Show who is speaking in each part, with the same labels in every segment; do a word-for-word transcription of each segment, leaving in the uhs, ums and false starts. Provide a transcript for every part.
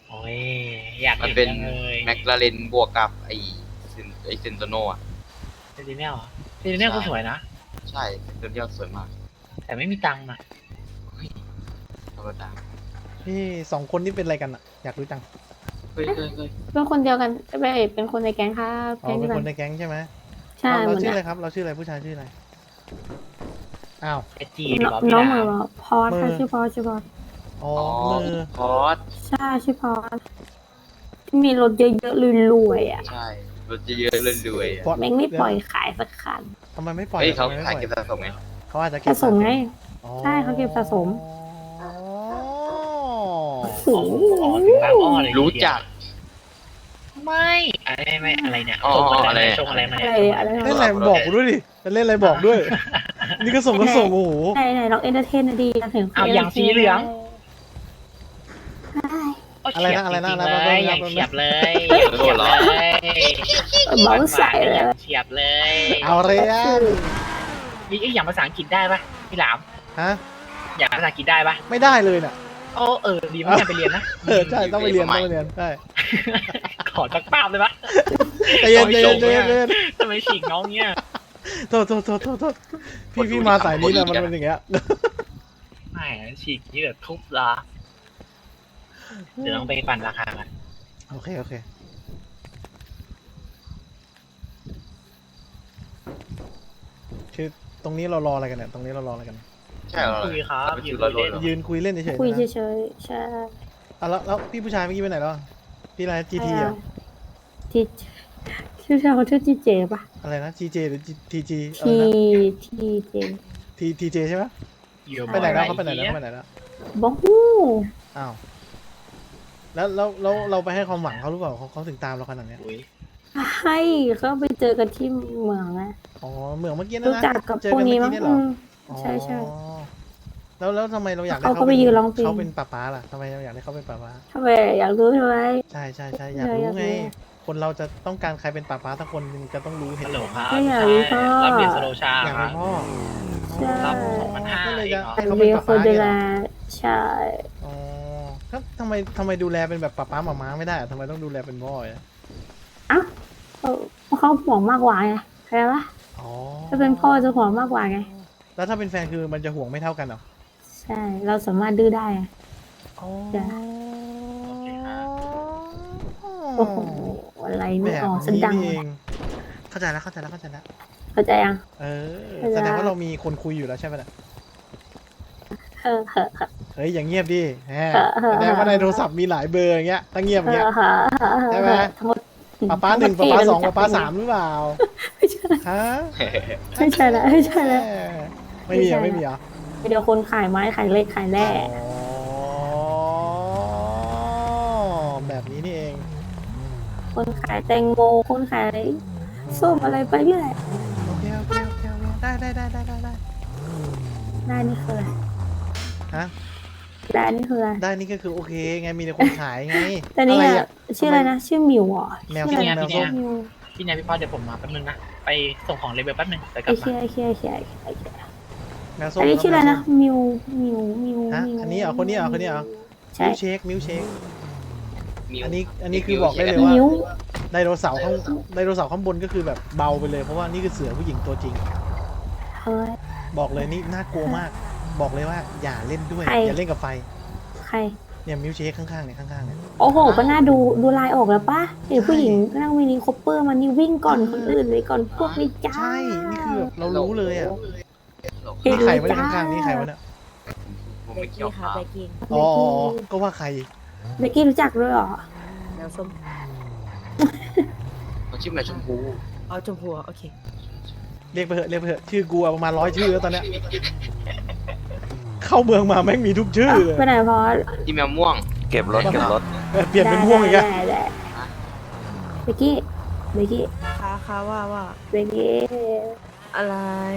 Speaker 1: โอ้ยอยาก
Speaker 2: มัน
Speaker 1: เห็น
Speaker 2: เป็น
Speaker 1: จังเลย
Speaker 2: แมคลาเรนบวกกับไอเซนไอเซนโตโนอ่ะ
Speaker 1: เซนติเนลเหรอเซนติเนลก็สวยนะ
Speaker 2: ใช่เซนเดียลสวยมาก
Speaker 1: แต่ไม่มีตังค์นะ
Speaker 2: ธรรมดา
Speaker 3: พี่สองคนนี่เป็นอะไรกันอะอยากรู้จัง
Speaker 2: เฮ้ยเฮ้ยเฮ้ย
Speaker 4: เป็นคนเดียวกันไม่เป็นคนในแก๊งครับ
Speaker 3: อ๋อ
Speaker 4: แก๊ง
Speaker 3: เป็
Speaker 4: เดี
Speaker 3: น
Speaker 4: ยว
Speaker 3: ค
Speaker 4: กัน
Speaker 3: นในแก๊งใช่ไหม
Speaker 4: ใช่
Speaker 3: เรา
Speaker 4: เห
Speaker 3: เรา
Speaker 4: มือน
Speaker 3: ชื่ออะไร
Speaker 4: กัน
Speaker 3: ครับ เราชื่ออะไรผู้ชายชื่ออะไรอ้าว
Speaker 1: เอจี
Speaker 4: น้
Speaker 1: บ
Speaker 4: อ
Speaker 1: อง กพี่
Speaker 4: น้อง
Speaker 1: ดา
Speaker 4: เหมือนพอสค่ะ
Speaker 3: มือ
Speaker 4: ชื่อพอสชื่อพอส
Speaker 3: อ๋อ
Speaker 2: อ๋อ
Speaker 3: มือ
Speaker 2: พอส
Speaker 4: ใช่ชื่อพอสที่มีรถเยอะๆรวยๆอ่ะ
Speaker 2: ใช่รถเยอะๆเล่นรวยๆ
Speaker 3: ฟอ
Speaker 2: อะ
Speaker 3: ส
Speaker 4: แม่งไม่ปล่อยขายสักคัน
Speaker 3: ทำไมไม่ปล่อย
Speaker 2: เฮ้ยเขา
Speaker 3: ทำไมไม่
Speaker 2: ขาย
Speaker 3: ปล่อย
Speaker 2: เก็บสะสมไง
Speaker 3: เขาอาจจะเก็บ
Speaker 4: สะสมไง
Speaker 3: อ๋อ
Speaker 4: ใช่เขาเก็บสะสม
Speaker 3: อ๋อ
Speaker 4: โอ้โห
Speaker 1: อ๋อถึงบางอ้อเลย
Speaker 2: รู้จัก
Speaker 1: ไม่อะไรไม่อะไรเนี่ย
Speaker 2: อ๋อ
Speaker 1: ส่ง
Speaker 2: อะ
Speaker 1: อะไร ไรส่งอะไรมา
Speaker 4: อะไร
Speaker 1: เนี่ย
Speaker 4: อะไร
Speaker 3: เล่นอะไรบอกกูด้วยดิจะเล่นอะไรบอกด้วย นี่ก็ส่งก็ส่งโอ้โห
Speaker 4: ไหนไหนลองเอนเตอร์เทนดีกันถึง
Speaker 1: เอาอย่างสีเหลือง
Speaker 4: ใช่
Speaker 1: โอ้
Speaker 3: อะไรนะ
Speaker 1: เฉียบ
Speaker 3: อะไรนะ
Speaker 1: จงๆ
Speaker 3: อะไรนะ
Speaker 1: เลย
Speaker 3: อะไรนะ
Speaker 1: อย่างเฉียบเลย
Speaker 2: เฮ้ย
Speaker 1: เฉียบเลย
Speaker 4: เบาใส่เลย
Speaker 1: อย่างเฉียบเลย
Speaker 3: เอาเรียน
Speaker 1: ยี่อย่างภาษาอังกฤษได้ปะพี่หลาม
Speaker 3: ฮะ
Speaker 1: อย่างภาษาอังกฤษได้ปะ
Speaker 3: ไม่ได้เลยน่ะ
Speaker 1: โอ้เออดีมากไปเรียนนะ
Speaker 3: เออใช่ต้องไปเรียนต้องไปเรียนใช่
Speaker 1: ขอจักภาพเลยปะ
Speaker 3: ใจเย็นใจเย็นใจเย็นใจเย็น
Speaker 1: ทำไมฉีกน้องเงี้ย
Speaker 3: โทษโทษโทษโทษโทษพี่พี่มาสายนี้นะมันเป็นอย่างเงี้ย
Speaker 1: ไม่ฉีกนี่เดี๋ยวทุบละเดี๋ยวต้องไปปั่นราคากัน
Speaker 3: โอเคโอเคคือตรงนี้เรารออะไรกันเนี่ยตรงนี้เรารออะไรกัน
Speaker 2: ใช่เหรอ
Speaker 1: คุยครับ
Speaker 2: ไป
Speaker 1: ยื
Speaker 2: ซื้
Speaker 1: น
Speaker 2: อร้อยโล
Speaker 1: เล่น
Speaker 2: เหรอ
Speaker 3: ยืนคุยเล่นเฉยๆ
Speaker 4: คุย
Speaker 3: นะ
Speaker 4: เฉยๆใช่
Speaker 3: อ่ะแล้วแล้วพี่ผู้ชายเมื่อกี้ไปไหนแล้วพี่อะไรจีทีอ่ะ
Speaker 4: ทีชื่อเขาชื่อจีเจป่ะ
Speaker 3: อะไรนะจีเจหรือทีจีอะไร
Speaker 4: ที
Speaker 3: นะ
Speaker 4: ทีเจ
Speaker 3: ทีทีเจใช่ไหม
Speaker 1: อยู่
Speaker 3: ไปไหนแล้วเขาไปไหนแล้วเขาไปไหนแล้ว
Speaker 4: บ้องฮู้
Speaker 3: อ้าวแล้วแล้วแล้วเราไปให้ความหวังเขาหรือเปล่าเขาเขาถึงตามเราขนาดเนี้ย
Speaker 1: อุ้ย
Speaker 4: ให้เขาไปเจอกันที่เมืองนะ
Speaker 3: อ๋อเหมือนเมื่อกี้นะ
Speaker 4: รู้
Speaker 3: นะ
Speaker 4: จักกับ
Speaker 3: เจอ
Speaker 4: พวก
Speaker 3: กัน
Speaker 4: นี้
Speaker 3: เมื่อ
Speaker 4: มั้ง
Speaker 3: กี้เนี่ยเหร
Speaker 4: อื
Speaker 3: อ
Speaker 4: ม
Speaker 3: อ๋อ
Speaker 4: ใช่ใช่
Speaker 3: แล้วแล้วทำไมเราอยากได้
Speaker 4: เขาก็ไปยืนร้องเพลง
Speaker 3: เขาเป็นป้าป้าล่ะทำไมเราอยากได้เขาเป็นป้าป้า
Speaker 4: ทำไมอยากรู้ใช่ไหม
Speaker 3: ใช่ใช่ใช่อยากรู้ไง คนเราจะต้องการใครเป็นป้าป้าสักคนหนึงจะต้องรู้เห
Speaker 1: ฮั
Speaker 3: ตุ
Speaker 1: ลโหล
Speaker 3: ผล
Speaker 1: ครับ
Speaker 4: ไม่อยากรู้พ่อ
Speaker 1: รับเรียนสโลชา
Speaker 3: อยาก
Speaker 1: ค
Speaker 3: เป็
Speaker 1: รับ
Speaker 3: นพ่อ
Speaker 4: ใช่
Speaker 1: รับสองพันห้า
Speaker 3: ก็เลย
Speaker 1: เอ
Speaker 3: จะ
Speaker 1: งเหรอ
Speaker 3: ให้เขา
Speaker 4: เรี
Speaker 3: เป็น
Speaker 4: ย
Speaker 3: ป้า
Speaker 4: ค
Speaker 3: ป้าน
Speaker 4: ดู
Speaker 3: เนี่ย
Speaker 4: แล
Speaker 3: เหรอ
Speaker 4: ใช่
Speaker 3: อ๋อครับทำไมทำไมดูแลเป็นแบบป้าป้าหมาม้าไม่ได้อะทำไมต้องดูแลเป็นพ่ออ่ะ
Speaker 4: เอ้าเขาเขาห่วงมากกว่าไงเข้าใจปะ
Speaker 3: อ๋อ
Speaker 4: ถ้าเป็นพ่อจะห่วงมากกว่าไง
Speaker 3: แล้วถ้าเป็นแฟนคือมันจะห่วงไม่เท่ากันเหรอ
Speaker 4: ใช่ เราสามารถดื้อได้ไง
Speaker 3: อ๋อ
Speaker 4: จ้ะ โอ้โหอะไร
Speaker 3: แบ
Speaker 4: ไม่
Speaker 3: บ
Speaker 4: ออกสัน
Speaker 3: นี้
Speaker 4: ดัง
Speaker 3: นี่เองเข้าใจแล้วเข้าใจแล้วเข้าใจแล้ว
Speaker 4: เข้าใจยัง
Speaker 3: เออ
Speaker 4: เข้าใจ
Speaker 3: แสดงว่าเรามีคนคุยอยู่แล้วใช่ไหมล่ะ
Speaker 4: เออเออเออ
Speaker 3: เฮ้ยอย่างเงียบดิแหม
Speaker 4: เออเออ
Speaker 3: แสดงว่าในโทรศัพท์มีหลายเบอร์อย่างเงี้ยตั้งเงียบอย่างเงี้ย
Speaker 4: เออเออเออ
Speaker 3: ใช่ไหม
Speaker 4: ทั้งหมด
Speaker 3: ป้าป้าหนึ่งป้าป้าสองป้าป้าสามหรือเปล่า
Speaker 4: ไม่ใช่
Speaker 3: ฮะ
Speaker 4: ไม่ใช่แล้วไม่ใช่แล้ว
Speaker 3: ไม่มีเหรอไม่มีเหรอ
Speaker 4: เดี๋ยวคนขายไม้ขายเหล็กขายแร่
Speaker 3: อ๋อแบบนี้นี่เอง
Speaker 4: คนขายแตงโมคนขายส้มอะไรไปเรื่อย
Speaker 3: โอเคโอเคโอเคโอเคได้ได้ได้ได้ได้ได้
Speaker 4: ได้นี่คืออะไร
Speaker 3: ฮะ
Speaker 4: ได้นี่คืออะไร
Speaker 3: ได้นี่ก็คือโอเคไงมีแต่คนขายไง
Speaker 4: แต่นี่
Speaker 3: อะไร
Speaker 4: อะ
Speaker 3: อะ
Speaker 4: ชื่ออะไรนะชื่อหมิวเหรอ
Speaker 3: แมว
Speaker 4: ชื่อ
Speaker 3: ส้ม
Speaker 4: อะไร
Speaker 3: แมวส้ม
Speaker 4: มิว
Speaker 1: พี่นายพี่พ่อเดี๋ยวผมมาแป๊บนึงนะ ไปส่งของเลเวลแป๊บนึงเดี๋ยวก
Speaker 4: ไอ
Speaker 1: ลับ
Speaker 4: เคี
Speaker 1: มาย
Speaker 4: ไอเคียไอเคียไอเคียไอเคีย
Speaker 3: แมวส้ม
Speaker 4: อันนี้ชื่ออะไรนะ
Speaker 3: แมวส้ม
Speaker 4: มิวมิวมิว
Speaker 3: ฮะ
Speaker 4: มิว
Speaker 3: อันนี้เหรอคนนี้เหรอคนนี้เหรอ
Speaker 4: ใช่
Speaker 3: มิลเชคมิลเชค
Speaker 2: มิว
Speaker 3: อันนี้อันนี้คือบอกได้เลยว่า
Speaker 4: มิว
Speaker 3: ไดโนเสาร์ข้างไดโนเสาร์ข้างบนก็คือแบบเบาไปเลยเพราะว่านี่คือเสือผู้หญิงตัวจริง
Speaker 4: เฮ้ย
Speaker 3: บอกเลยนี่น่ากลัวมาก บอกเลยว่าอย่าเล่นด้วย
Speaker 4: ใคร
Speaker 3: อย่าเล่นกับไฟ
Speaker 4: ใคร
Speaker 3: เนี่ยมิลเชคข้างๆเนี่ยข้างๆเนี่ย
Speaker 4: โอ้โห ก็น่าดูดูลายออกแล้วปะเห็นผู้หญิงนั่งมินิคอปเปอร์มันนี่วิ่งก่อนคนอื่นเลยก่อนพวกนี้จ้า
Speaker 3: ใช่นี่คือแบบเรารู้เลยอ่ะ
Speaker 4: เห็น
Speaker 3: นี่ใคร
Speaker 4: เลย
Speaker 3: วะเนี่ย
Speaker 4: จ้า
Speaker 3: ข้างๆนี่ใครวะเนี่ย
Speaker 2: ผมไม่เกี่ยวครับ
Speaker 3: อ๋อก็ว่าใคร
Speaker 4: เบกกี้รู้จักด้วยเหรอ
Speaker 5: แมวส้ม
Speaker 2: เขาชื่อแมวชมพู
Speaker 5: เอาชมพูโอเค
Speaker 3: เรียกไปเถอะเรียกไปเถอะชื่อกูอะประมาณร้อยชื่อแล้วตอนเนี้ยเข้าเมืองมาแม่งมีทุกชื่อเลย
Speaker 4: ไปไหนพอ
Speaker 2: ที่แมวม่วง
Speaker 6: เก็บรถเก็บรถ
Speaker 3: เออเปลี่ยนเป็นม่วงอีกอะ
Speaker 4: ได้ได้เบกกี้เบกกี้
Speaker 5: ค้าค้าว่าว่า
Speaker 4: เบกกี้
Speaker 5: อะไร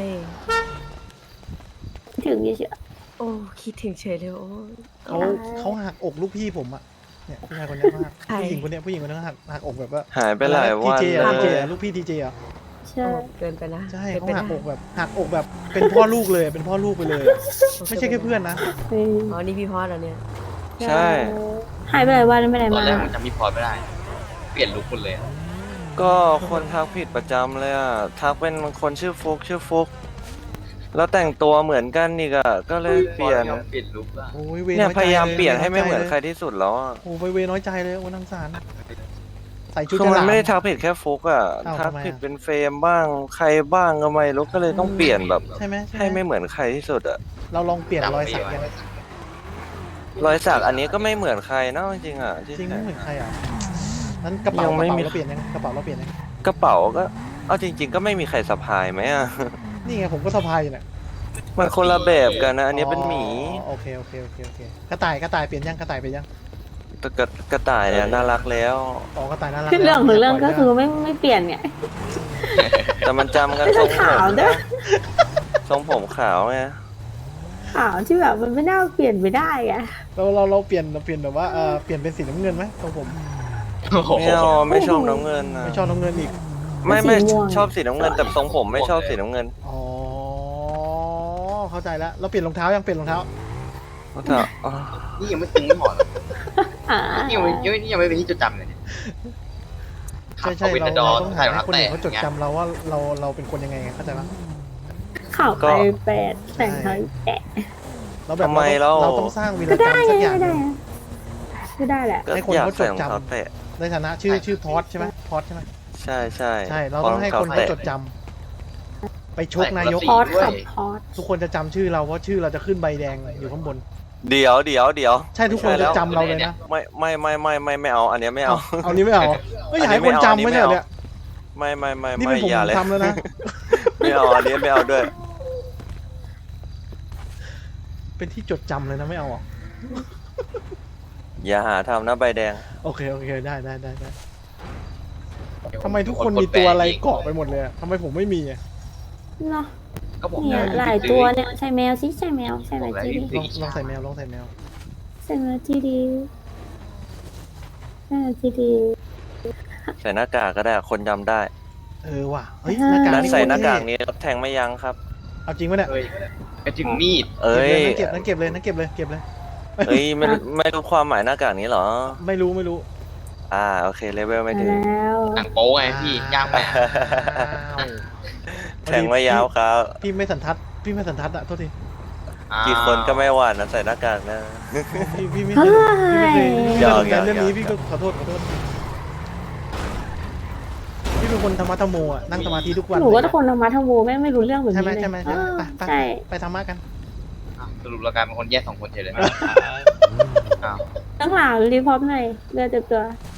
Speaker 4: ถึงเฉย
Speaker 5: โอ้คิดถึงเฉยเลยโอ้
Speaker 3: เขาเขาหักอกลูกพี่ผมอะเนี่ยผู้ชายคนนี้มาก
Speaker 5: ใคร
Speaker 3: ผู้หญิงคนเนี้ยผู้หญิงคนนี้หักหักอกแบบว่า
Speaker 6: หายไปหลายวัน
Speaker 3: ทีเจ
Speaker 6: เล
Speaker 3: อะทีเจ
Speaker 6: ย
Speaker 3: อะลูกพี่ทีเจอะ
Speaker 4: ๆใช่
Speaker 5: โอ้เกินไปนะ
Speaker 3: ใช่
Speaker 5: กิน
Speaker 3: เขา
Speaker 5: ไป
Speaker 3: หั
Speaker 5: นะ
Speaker 3: กอกแบบหักอกแบบเป็นพ่อลูกเลยเป็นพ่อลูกไปเลย ไม่ใช่แค่เพื่อนนะ
Speaker 4: เฮ้ย
Speaker 5: อ๋อนี่พี่พอดเหรอเนี่ย
Speaker 6: ใช่
Speaker 4: หหายไปหลายวันไม่ได้
Speaker 2: ตอน
Speaker 4: มา
Speaker 2: แรกผมจำพี่พอร์ตไม่ได้ เปลี่ยนลุคหมดเลยอะ
Speaker 6: ก็คนทักผิดประจำเลยอ่ะ ทักเป็นคนชื่อฟุกชื่อฟุก แล้วแต่งตัวเหมือนกันอีกอ่ะ ก็เลยเปลี่ยน
Speaker 2: พอร์ตไม่ยอมเปลี่ยนลุคอะ
Speaker 3: โอ้ยเว
Speaker 6: เนี่ย
Speaker 3: น้อใจ
Speaker 6: พยายามเปลี่ยนให้
Speaker 3: ว
Speaker 6: ไม่เหมือน
Speaker 3: ใจล
Speaker 6: ใครที่สุดแล้วอ่ะ
Speaker 3: โอ้ไปเวน้อยใจเลยโอ้นังสารใส่ชุด
Speaker 6: คือมัน
Speaker 3: ฉลาม
Speaker 6: ไม่ได้ทักผิดแค่ฟุกอ่ะ
Speaker 3: อ้าว
Speaker 6: ทัก
Speaker 3: ทำไมอะ
Speaker 6: ผิดเป็นเฟรมบ้าง ใครบ้างก็ไม่รู้ ก็เลยต้องเปลี่ยนแบบ
Speaker 3: ใช่ไหมใช่
Speaker 6: ให้
Speaker 3: ไหม
Speaker 6: ไม่เหมือนใครที่สุดอ่ะ
Speaker 3: เราลองเปลี่ยนรอยสักยัง
Speaker 6: รอยสักอันนี้ก็ไม่เหมือนใครนะจริงๆอ่ะที่
Speaker 3: จริงไม่เหมือนใครอ่ะนั้นกระเป๋า
Speaker 6: ยั
Speaker 3: ก
Speaker 6: ง
Speaker 3: ระ
Speaker 6: ไม่
Speaker 3: เป๋า
Speaker 6: มี
Speaker 3: เราเปลี่ยนยังกระเป๋าเราเปลี่ยนยัง
Speaker 6: กระเป๋าก็ เอาจริง ๆ ก็ไม่มีใครสะพายไหมอ่ะ
Speaker 3: นี่ไงผมก็สะพายอยู่เนี่ย
Speaker 6: มันคนละแบบกันนะ อันนี้เป็นหมี
Speaker 3: อ๋อโอเคโอเคโอเคโอเคกระต่ายกระต่ายเปลี่ยนยังกระต่ายเปลี่ยนยัง
Speaker 6: แต่กระกระต่ายเนี่ยน่ารักแล้ว
Speaker 3: อ๋อกระต่ายน่ารัก
Speaker 4: เรื่องของเรื่องก็คือ
Speaker 3: ปล่ย
Speaker 4: ไม่ไม่เปลี่ยนไง
Speaker 6: แต่มันจำกัน
Speaker 4: ไม่
Speaker 6: ทร
Speaker 4: ใช่
Speaker 6: งผ
Speaker 4: ขาว
Speaker 6: ม
Speaker 4: เด้อ
Speaker 6: ทรงผมขาวไง
Speaker 4: ขาวที่แบบมันไม่น่าเปลี่ยนไปได้ไง
Speaker 3: เราเราเราเปลี่ยนเราเปลี่ยนแบบว่าเออเปลี่ยนเป็นสีน้ำเงินไหมตรงผม
Speaker 2: โอ้โห
Speaker 6: ไม่เอาไม่ชอบน้ำเงินนะ
Speaker 3: ไม่ชอบน้ำเงินอีก
Speaker 6: ไม่ไม่
Speaker 4: สีม่วง
Speaker 6: ชอบสีน้ำเงินแต่ทรงผมไม่ชอบสีน้ำเงิน
Speaker 3: อ๋อเข้าใจแล้วเราเปลี่ยนรองเท้ายังเปลี่ยนรองเท้า
Speaker 6: แต่อ๋อ
Speaker 2: นี่ยังไม่ตึงไม่หมดเลย
Speaker 4: อ่า
Speaker 2: นี่ยังไม่นี่ยังไม่เป็นที่จดจำเลยเนี่ย
Speaker 3: ใช่ใช่
Speaker 2: ขับ
Speaker 3: เรา
Speaker 2: เข้าไปในดอ
Speaker 3: เราต้อง
Speaker 2: ใส่
Speaker 3: หาร
Speaker 2: อง
Speaker 3: ให้
Speaker 2: เท้า
Speaker 3: คน
Speaker 2: แตะ
Speaker 3: อื่นเขาจดจำเราว่าเราเราเป็นคนยังไงไงเข้าใจปะ
Speaker 4: ข่าวไปแปดแต่งเท้าแตะ
Speaker 3: เราแบบ
Speaker 6: ทำไม
Speaker 3: เรา
Speaker 6: เรา
Speaker 3: เราต้องสร้างวีร
Speaker 4: ก็
Speaker 3: กร
Speaker 4: ได้
Speaker 3: รม
Speaker 4: ไง
Speaker 3: สักอย่าง
Speaker 4: ก็
Speaker 3: ห
Speaker 4: ได้
Speaker 3: นึ่ง
Speaker 4: ก็ได้แหละ
Speaker 6: ก็
Speaker 3: ให้คน
Speaker 6: อยาก
Speaker 3: เขาจ
Speaker 6: ใส่
Speaker 3: ด
Speaker 6: รอง
Speaker 3: จำ
Speaker 6: เท้าแตะ
Speaker 3: ในฐานะชื่อชื่อพอดใช่ไหมพอดใช่ไหม
Speaker 6: ใช่ใช่
Speaker 3: ใช่เราต้องให้คนเขาจดจำไปชกนายก
Speaker 4: พอดขับพอด
Speaker 3: ทุกคนจะจำชื่อเราเพราะชื่อเราจะขึ้นใบแดงอยู่ข้างบน
Speaker 6: เดี๋ยวเดี๋ยวเดี๋ยว
Speaker 3: ใช่ทุกคนจะจำเราเลยนะ
Speaker 6: ไม่ไม่ไม่ไม่ไม่ไม่เอา อันเนี้ยไม่เอา
Speaker 3: เอาเอานี้ไม่เอาไม่อยากให้คนจำไม่ใช่เหรอเนี่ย
Speaker 6: ไม่ไม่ไม่
Speaker 3: นี่
Speaker 6: ไม่
Speaker 3: เป็นผม
Speaker 6: อย่าเลย
Speaker 3: ทำแล้วนะ
Speaker 6: ไม่เอาอันนี้ไม่เอาด้วย
Speaker 3: เป็นที่จดจำเลยนะไม่เอาอ่ะ
Speaker 6: อย่าหาทำนะใบแดง
Speaker 3: โอเคโอเคได้ได้ได้ได้ทำไมทุกคนมีตัวอะไรเกาะไปหมดเลยอะทำไมผมไม่มีอะ
Speaker 4: เนาะ
Speaker 2: ก็ผม
Speaker 4: เนี่ยหลายตัวเนี่ยใช่แมวสิใช่แมวใช่แมวจีดี
Speaker 3: ลองลองใส่แมวลองใส่แมว
Speaker 4: ใช่แมวจีดีใช่แมวจีดี
Speaker 6: ใส่หน้ากากก็ได้คนจำได้
Speaker 3: เออว่ะเฮ้ยหน้ากาก
Speaker 6: นั้น
Speaker 3: นี่
Speaker 6: ใส่
Speaker 3: โคตร
Speaker 6: หน้ากาก
Speaker 3: เท่
Speaker 6: นี้รับแทงไม่ยั้งครับ
Speaker 3: เอาจริงปะเนี่ย
Speaker 2: เอ้ยไปถึงมีด
Speaker 6: เอ้ย
Speaker 3: เก็บเลยนั่นเก็บเลยนั่นเก็บเลยเก็บเลย
Speaker 6: เอ้ยไม่รู้ไม่รู้ความหมายหน้ากากนี้เหรอ
Speaker 3: ไม่รู้ไม่รู้
Speaker 6: อ่าโอเคเลเวลไม่
Speaker 4: มา
Speaker 6: ถึง
Speaker 4: แล้ว
Speaker 2: หนังโป๊ไงพี่ย่างไป
Speaker 3: อ้าว
Speaker 6: แทงไม่ยาวครับ
Speaker 3: พี่ไม่สันทัดพี่ไม่สันทัดอะโทษที
Speaker 6: กี่คนก็ไม่หวานนะใส่หน้ากากนะ
Speaker 3: พี่พี่ไม่เคยพี่ไม่เคยพี่
Speaker 6: หย
Speaker 3: ไม่
Speaker 6: อก
Speaker 3: สนใจเรื่องนี้
Speaker 6: หยอก
Speaker 3: พี่ก็ขอโทษขอโทษพี่เป็นคนธรรมะธรรโมอะนั่งสมาธิทุกวัน
Speaker 4: หนูก็
Speaker 3: เลย
Speaker 4: ทุกคนธรรมะธรรมโมแม่งไม่รู้เรื่องแบบ
Speaker 3: ใช่
Speaker 4: นี้
Speaker 3: ไหม
Speaker 4: เลย
Speaker 3: ใช่ไหมใช่ไหม
Speaker 4: เออ
Speaker 3: ไปไป
Speaker 4: ใช่
Speaker 3: ไปธรรมะกัน
Speaker 2: อ่ะสรุปเรากลายเป็นคนแยกสองคนเฉยเลยอ้าว
Speaker 4: ตั้งหลังรีพอร์ตหน่อยเลือดเต็มตัว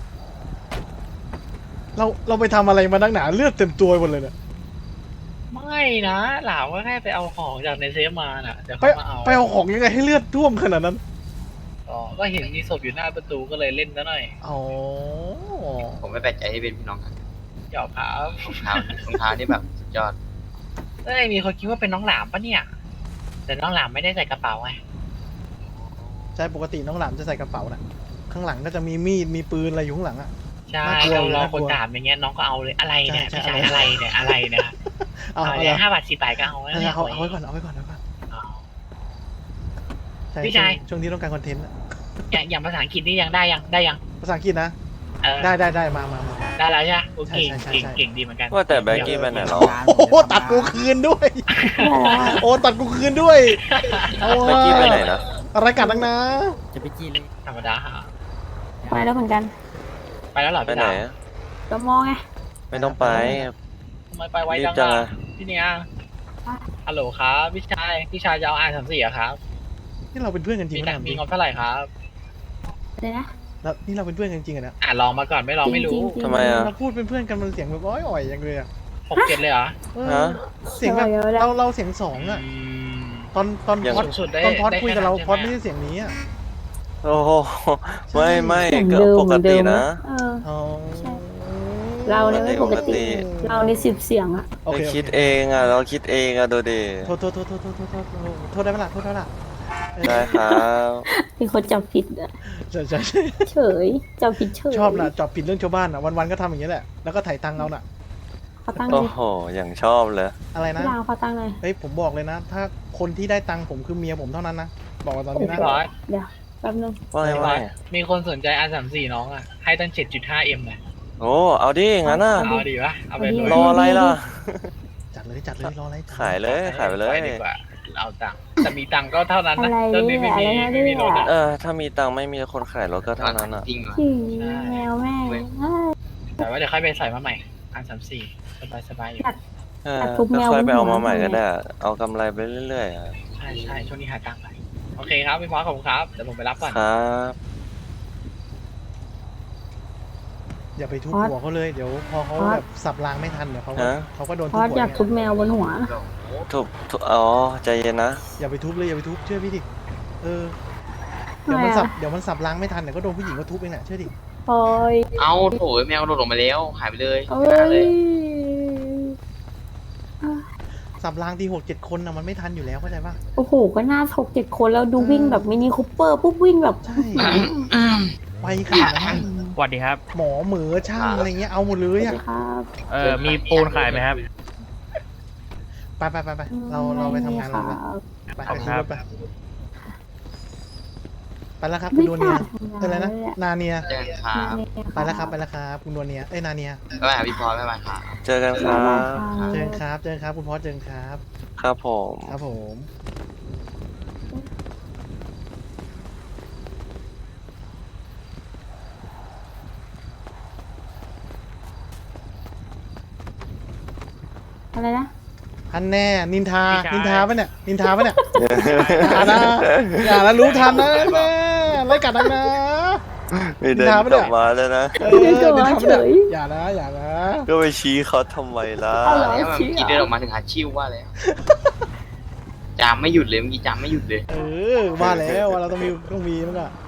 Speaker 3: เราเราไปทำอะไรมาตั้งหนาเลือดเต็มตัวหมดเลยเนี่ย
Speaker 1: ไม่นะหลาวก็แค่ไปเอาของจากในเซฟมาน่ะเดี๋ยว
Speaker 3: ไป
Speaker 1: เขามาเอา
Speaker 3: ไปเอาของยังไงให้เลือดท่วมขนาดนั้น
Speaker 1: อ๋อก็เห็นมีศพอยู่หน้าประตูก็เลยเล่นซะหน่อย
Speaker 3: อ๋อ
Speaker 2: ผมไม่แปลกใจที่เป็นพี่น้องกัน
Speaker 1: หยอกครับ
Speaker 2: รองเท้ารองเท้านี่แบบสุดยอด
Speaker 1: เอ้ยมีคนคิดว่าเป็นน้องหลามปะเนี่ย แต่น้องหลามไม่ได้ใส่กระเป๋าไง
Speaker 3: ใช่ปกติน้องหลามจะใส่กระเป๋าน่ะข้างหลังก็จะมีมีดมีปืนอะไรอยู่ข้างหลังอะ
Speaker 1: ใช่
Speaker 3: น่ากลัว
Speaker 1: เรารอ
Speaker 3: น่ากลั
Speaker 1: คน
Speaker 3: ว
Speaker 1: ถามอย่างเงี้ยน้องก็เอาเลยอะไรเนี่ย
Speaker 3: ใช่
Speaker 1: พี่
Speaker 3: ใช่
Speaker 1: ชายอะไรเนี่ยอะไรเนี่ย
Speaker 3: เอา
Speaker 1: เอา
Speaker 3: เอา
Speaker 1: เนี่ย
Speaker 3: เอา
Speaker 1: ห้าบาทสี่บาทก็เอา
Speaker 3: เอาเอาเอาไว้ก่อนเอาไว้ก่อนเอาไว้ก่อน
Speaker 1: เอา
Speaker 3: ใช่
Speaker 1: พี่ชาย
Speaker 3: ช่วงนี้ต้องการคอนเทนต์อะ
Speaker 1: อย่างอย่างภาษาอังกฤษนี่ยังได้ยังได้ยัง
Speaker 3: ภาษาอังกฤษนะ
Speaker 1: เออ
Speaker 3: ได้ได้ได้มามามา
Speaker 1: ได้แล้วใช่ไหมโอเค
Speaker 3: ใช่ใช่
Speaker 1: เก่ง
Speaker 3: ใช่
Speaker 1: เก่งดีเหมือนกัน
Speaker 6: ว่าแต่แบงกี้ไปไหนแล้ว
Speaker 3: โอ้โหตัดกูคืนด้วย โอ้ตัดกูคืนด้วยเอา
Speaker 6: แบงกี้ไปไหนนะ
Speaker 3: อะไรกัดนังนะ
Speaker 1: ธรรมดาฮะ
Speaker 4: ไปแล้วเหมือนกัน
Speaker 1: ไปแล้วเหรอ
Speaker 6: ไป
Speaker 1: พี่
Speaker 6: ไหน
Speaker 1: ดาว
Speaker 6: อะ
Speaker 4: ก็มองไง
Speaker 6: ไม่ต้องไป
Speaker 1: ทำไมไปไว
Speaker 6: รีบ
Speaker 1: จัง
Speaker 6: จัง
Speaker 1: อะ
Speaker 6: อะ
Speaker 1: พี่เนี่ยฮัลโหลครับพี่ชายพี่ชายจะเอาอ่านสามสี่อะครับ
Speaker 3: นี่เราเป็นเพื่อนกันจริง
Speaker 1: มี
Speaker 3: ไหม
Speaker 1: แต่
Speaker 3: ถามจ
Speaker 1: มี
Speaker 3: ริง
Speaker 1: งบเท่าไหร่ครับ
Speaker 4: เลยนะ
Speaker 3: แล้วนี่เราเป็นเพื่อนกันจริงอะนะ
Speaker 1: อ่านลองมาก่อนไม่ลองไม่รู้
Speaker 4: จริงๆจริงๆ
Speaker 6: ทำไมอะ
Speaker 3: เราพูดเป็นเพื่อนกันมันเสียงแบบอ้อยอ่อยอย่างเลยอะ
Speaker 1: หกเจ็ดเลยเหรอ
Speaker 3: เออ
Speaker 6: ฮะ
Speaker 3: เสียงแบบ
Speaker 4: เดี๋ยวๆ
Speaker 3: เราเราเสียงสองอะ
Speaker 1: อืม
Speaker 3: ตอนตอน
Speaker 6: อย่าง
Speaker 3: พอด
Speaker 1: สูงสุดได้
Speaker 3: ตอนพอด
Speaker 1: ได้
Speaker 3: คุยกับเรา
Speaker 1: แค่นั้น
Speaker 3: พอด
Speaker 1: ใช่
Speaker 3: ไม่
Speaker 1: ไหม
Speaker 3: ใช่เสียงนี้อะ
Speaker 6: โอ้โหไม่ไม่
Speaker 4: เสียง
Speaker 6: ก็
Speaker 4: เดิม
Speaker 6: ป
Speaker 4: เห
Speaker 6: ก
Speaker 4: มือน
Speaker 6: ติ
Speaker 4: เดิม
Speaker 6: นะ
Speaker 4: เออ
Speaker 3: อ๋อ
Speaker 4: ใช่ เราเนี่ยไม่ปกติ เราในสิบเสียงอะ
Speaker 3: โอเค
Speaker 6: เรา
Speaker 3: โอ
Speaker 6: คิด
Speaker 3: เค
Speaker 6: เองอ่ะเราคิดเองอ่ะดูดิ
Speaker 3: โทษโทษโทษโทษโทษโทษโทษโทษได้ไหมล่ะโทษได้ไหมล่ะเออ
Speaker 6: ได้ครับ
Speaker 4: มีคนจับผิดอะ
Speaker 3: ใช่ใช่ใช่
Speaker 4: เฉยจับผิดเฉย
Speaker 3: ชอบนะจอบผิดเรื่องชาวบ้านอ่ะวันๆก็ทำอย่างนี้แหละแล้วก็ถ่ายตังค์เอาน่ะ
Speaker 4: เขาตั้งเล
Speaker 6: โอ้
Speaker 4: ย
Speaker 6: โหอย่างชอบเลย
Speaker 3: อะไรนะ
Speaker 4: พี่ดาวเขาตั้งเลย
Speaker 3: เฮ้ยผมบอกเลยนะ ถ้าคนที่ได้ตังค์ผมคือเมียผมเท่านั้นนะบอกว่าตอนนี้นะ
Speaker 1: พี่บอส
Speaker 4: เดี๋ยวแป๊บนึง
Speaker 6: ว่าไงว่าไง
Speaker 1: มีคนสนใจ อาร์ สามสิบสี่ น้องอ่ะ ให้ตั้ง เจ็ดจุดห้า เอ็ม เลย
Speaker 6: โอ้เอาดิงั้นน่ะ
Speaker 1: เอาดีปะเอาไป
Speaker 4: เอาดิ
Speaker 1: เลย
Speaker 6: รออะไรล่ะ
Speaker 3: จัดเลยจัดเลยรออะไรจัด
Speaker 6: ขายเลยขายไปเลย
Speaker 1: ดีกว่า เอาตังค์แต่มีตังค์ก็เท่านั้นนะ
Speaker 4: อะไร
Speaker 1: ตอนนี้ไม่มี
Speaker 4: เนี่ยอะไรนะ
Speaker 1: ไม่มีรถ
Speaker 4: เนี่
Speaker 1: อะ
Speaker 4: ย
Speaker 6: เออ ถ้ามีตังค์ไม่มีคนขายรถก็เท่านั้นอ่ะ
Speaker 2: จริงเหรอ
Speaker 4: ขิงแมวแม่เอ้ย
Speaker 1: แต่ว่าเดี๋ยวค่อยไปใส่มาใหม่ อาร์ สามสิบสี่ สบายสบายๆอยู่
Speaker 6: เออ
Speaker 4: ตัดทุกแมว
Speaker 6: ค่อยไปเอามา
Speaker 4: บนหัว
Speaker 6: ใหม่ก็ได้ เอากำไรไปเรื่อยๆอะ
Speaker 1: ใช่ใช่ช่วงนี้หาตังค์ไปโอเคครับพี่พอสขอบคุณครับ เดี๋ยวผมไปรับก่อน
Speaker 6: ครับ
Speaker 3: อย่าไปทุบ
Speaker 4: พอด
Speaker 3: หัวเขาเลยเดี๋ยวพอเขา
Speaker 4: พอด
Speaker 3: แบบสับรางไม่ทันเดี๋ยวเขาก็
Speaker 6: ฮะ
Speaker 3: เขาก็โดน
Speaker 4: พ
Speaker 3: ทุบ
Speaker 4: อด
Speaker 3: หัว
Speaker 4: อยากทุบแมวบนหัว
Speaker 6: ถูกถูกอ๋อ ใจเย็นนะ
Speaker 3: อย่าไปทุบเลยอย่าไปทุบเชื่อพี่ดิเออเดี๋ยวมัน
Speaker 4: ทำไมอะ
Speaker 3: สับเดี๋ยวมันสับรางไม่ทันเดี๋ยวก็โดนผู้หญิงก็ทุบเองแหละเชื่อดิ
Speaker 4: โอ้ย
Speaker 2: เอาโถแมวโดดลงมาแล้วหายไปเลย
Speaker 4: เอ้
Speaker 2: หายเลย
Speaker 3: สับรางทีหกเจ็ดคนนะมันไม่ทันอยู่แล้วเข้าใจป่ะ
Speaker 4: โอ้โหก็น่าถกเจ็ดคนแล้วดูวิ่งแบบมินิคูเปอร์ปุ๊บวิ่งแบบ
Speaker 3: ใช่ไวขนาดนั้น
Speaker 7: สวัสดีครับ
Speaker 3: หมอเหมือช่างอะไรเงี้ยเอาหมดเลยอ่ะ
Speaker 4: ครับ
Speaker 7: เอ่อ มีปูนขายไหมครับ
Speaker 3: ไปไปไปไปเราเราไปทำงานเรา
Speaker 4: ค
Speaker 3: ไป
Speaker 4: รับ
Speaker 3: ไป
Speaker 7: ขอบคุณครับ
Speaker 3: ไปไปแล้วครับคุณดวเนียเอออะไรนะนาเนีย
Speaker 2: เจอกันครับ
Speaker 3: ไปแล้วครับไปแล้วครับคุณดวเนียเอ้ยนาเนีย
Speaker 2: บ๊ายบายครับพี่พอบ๊ายบายครับ
Speaker 6: เจอกันครับ
Speaker 3: เจอกันครับเจอกันครับคุณพอสเจอกันครับ
Speaker 6: ครับผม
Speaker 3: ครับผม
Speaker 4: อะไรนะ
Speaker 3: อันแน่นินทา
Speaker 7: พี่ชาย
Speaker 3: นินทาปะเนี่ยนินทาปะเนี่ยอย่านะอย่านะรู้ทันนะแม่ไล่กัดนักนะ
Speaker 6: ไม่เดิน
Speaker 3: นินทาปะ
Speaker 6: ก
Speaker 3: เนี่
Speaker 6: ลั
Speaker 3: ย
Speaker 6: บมาแล้วนะ
Speaker 3: เออ
Speaker 4: เดินกลับมา
Speaker 3: นินทาปะเนี่ย
Speaker 4: เฉย
Speaker 3: อย่านะอย่านะ
Speaker 6: ก็ไปชี้เขาทำไมล่ะ
Speaker 4: เอาเหรอ
Speaker 2: แล้วมันเมื่อกี้เดินออกมาถึงหาชิวว่าแล้วจามไม่หยุดเลยเมื่อกี้จามไม่หยุดเลย
Speaker 3: เออว่าแล้วว่าเราต้องมีต้องมีมั้งอะ